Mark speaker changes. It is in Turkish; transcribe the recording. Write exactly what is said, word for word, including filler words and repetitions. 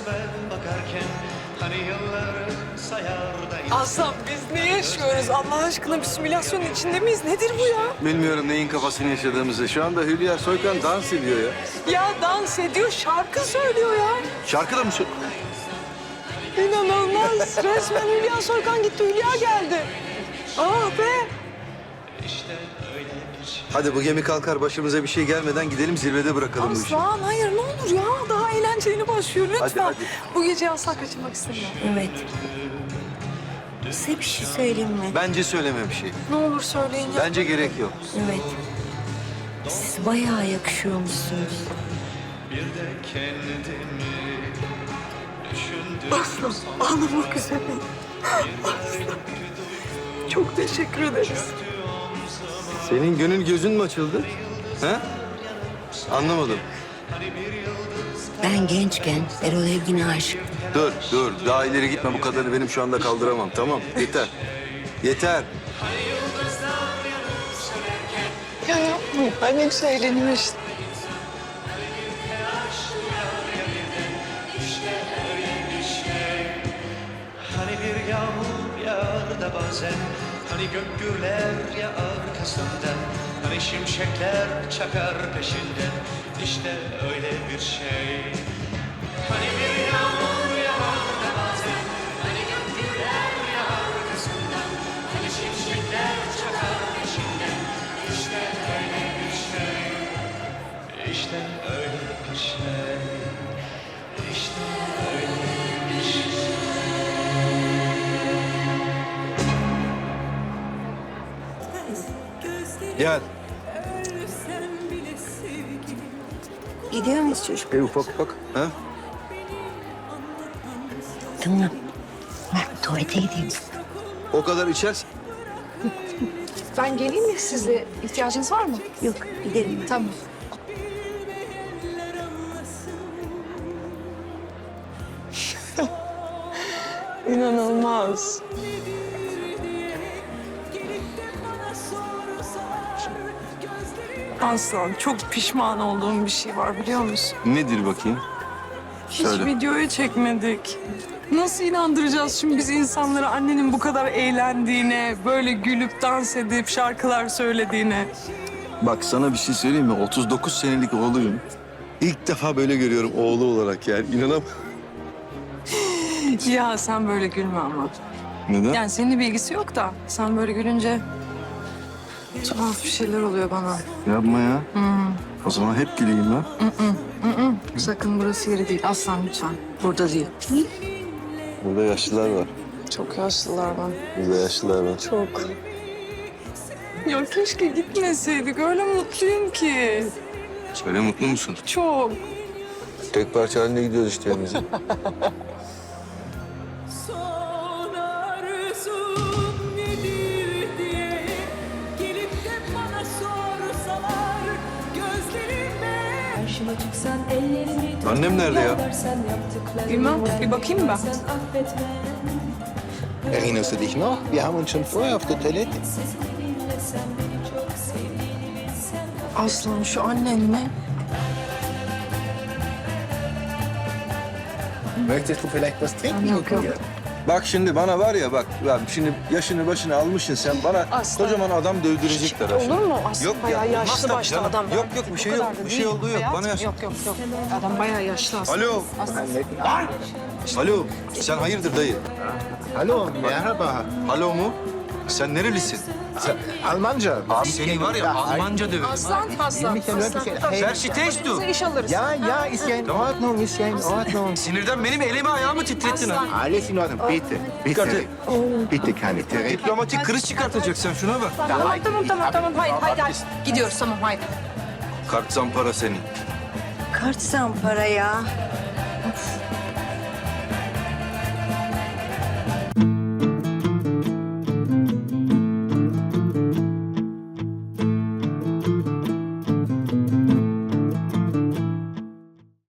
Speaker 1: resme bakarken hani yılları sayar da
Speaker 2: Aslan biz ne yaşıyoruz? Allah aşkına bir simülasyonun içinde miyiz? Nedir bu ya?
Speaker 3: Bilmiyorum neyin kafasını yaşadığımızı. Şu anda Hülya Soykan dans ediyor ya.
Speaker 2: Ya dans ediyor, şarkı söylüyor ya.
Speaker 3: Şarkı da mı sö-
Speaker 2: İnanılmaz. Resmen Hülya Soykan gitti, Hülya geldi. Ah be.
Speaker 1: işte öyle bir şey.
Speaker 3: Hadi bu gemi kalkar başımıza bir şey gelmeden gidelim zirvede bırakalım bu işi.
Speaker 2: Aslan hayır ne olur ya. Daha eğlenceli başlıyor lütfen.
Speaker 3: Hadi, hadi.
Speaker 2: Bu geceyi asla kaçırmak istemiyorum.
Speaker 4: Evet. Size bir şey söyleyeyim mi?
Speaker 3: Bence söyleme bir şey.
Speaker 2: Ne olur söyleyin ya.
Speaker 3: Bence gerek yok.
Speaker 4: Evet. Siz bayağı yakışıyormuşsunuz.
Speaker 1: Bir de kendimi düşündüm.
Speaker 2: Aslan ağlamak üzereyim. Aslan. Çok teşekkür ederiz.
Speaker 3: Senin gönül gözün mü açıldı? He? Anlamadım.
Speaker 4: Ben gençken Erol Evgin'e aşıktım.
Speaker 3: Dur, dur. Daha ileri gitme. Bu kadarını benim şu anda kaldıramam. Tamam, yeter. Yeter.
Speaker 2: Ya yapma. Ben ne güzel eğleniyorum işte.
Speaker 1: Hani bir yağmur yağar da bazen, hani gök gürler ya arkasından, hani şimşekler çakar peşinden, işte öyle bir şey. Hani bir yağmur yağar da bazen, hani gök gürler ya arkasından, hani şimşekler çakar peşinden, işte öyle bir şey. İşte öyle bir şey. İşte öyle bir şey.
Speaker 3: Gel.
Speaker 4: Gidiyor muyuz çocuk?
Speaker 3: E, ufak ufak. Ha?
Speaker 4: Tamam. Ben tuvalete gideyim.
Speaker 3: O kadar içersin.
Speaker 2: Ben geleyim mi sizle? İhtiyacınız var mı?
Speaker 4: Yok, gidelim.
Speaker 2: Tamam. İnanılmaz. Aslan çok pişman olduğum bir şey var biliyor musun?
Speaker 3: Nedir bakayım?
Speaker 2: Hiç
Speaker 3: Söyle.
Speaker 2: videoya çekmedik. Nasıl inandıracağız şimdi biz insanları annenin bu kadar eğlendiğine, böyle gülüp dans edip şarkılar söylediğine?
Speaker 3: Bak sana bir şey söyleyeyim mi? otuz dokuz senelik oğluyum. İlk defa böyle görüyorum oğlu olarak yani. İnanam.
Speaker 2: Ya sen böyle gülme ama.
Speaker 3: Neden?
Speaker 2: Yani seninle bir ilgisi yok da sen böyle gülünce tuhaf bir şeyler oluyor bana.
Speaker 3: Yapma ya. O zaman hep güleyim ha.
Speaker 2: Sakın burası yeri değil. Aslan lütfen. Burada değil.
Speaker 3: Burada yaşlılar var.
Speaker 2: Çok yaşlılar var.
Speaker 3: Burada yaşlılar var.
Speaker 2: Çok. Ya keşke gitmeseydik. Öyle mutluyum ki.
Speaker 3: Söyle mutlu musun?
Speaker 2: Çok.
Speaker 3: Tek parça halinde gidiyoruz işte evimize.
Speaker 5: Son arzum nedir diye gelip de bana sorsalar gözlerime.
Speaker 6: Karşıma çıksan ellerimi tut,
Speaker 3: Annem nerede ya?
Speaker 6: yalvarsan yaptıklarımı
Speaker 2: Bilmem, bir bakayım ben.
Speaker 6: sen affetme.
Speaker 7: Erinnerst du dich noch? Wir haben uns schon vorher auf der Toilette.
Speaker 6: Seslerinle sen beni çok sevdiğini bilsen.
Speaker 2: Aslan şu annen ne?
Speaker 7: Möchtest du vielleicht was trinken?
Speaker 2: Yok yok.
Speaker 3: Bak şimdi bana var ya bak, bak şimdi yaşını başını almışsın sen bana
Speaker 2: Aslan.
Speaker 3: kocaman adam dövdürecekler ha şimdi.
Speaker 2: Olur mu? Aslan
Speaker 3: Yok
Speaker 2: bayağı
Speaker 3: ya, olmaz
Speaker 2: yaşlı
Speaker 3: tabii
Speaker 2: başlı
Speaker 3: canım.
Speaker 2: adam.
Speaker 3: Yok yok bir şey
Speaker 2: O
Speaker 3: yok,
Speaker 2: kadar da
Speaker 3: bir şey
Speaker 2: değil.
Speaker 3: olduğu yok.
Speaker 2: Hayatım,
Speaker 3: Bana yaş...
Speaker 2: Yok yok yok. Adam bayağı yaşlı aslında.
Speaker 3: Alo, alo sen hayırdır dayı?
Speaker 7: Hallo, merhaba.
Speaker 3: Alo mu? Sen nerelisin?
Speaker 7: Almanca.
Speaker 3: Abi seni var ya Almanca döverim.
Speaker 2: Aslan, aslan,
Speaker 7: Mich ja
Speaker 2: aslan.
Speaker 7: wirklich... Hey,
Speaker 3: Verstehst du?
Speaker 2: Bize iş alırız.
Speaker 7: ja, ja, ist ja in Ordnung, ist ja in Ordnung.
Speaker 3: Sinirden benim elimi ayağımı titrettin ha.
Speaker 7: Alles in Ordnung, bitte, bitte. Bitte keine Therese.
Speaker 3: Diplomatik kriz çıkartacaksın şuna bak.
Speaker 2: Tamam tamam tamam tamam. Haydi haydi haydi. Gidiyoruz tamam haydi.
Speaker 3: Kart zampara senin.
Speaker 4: Kart zampara ya.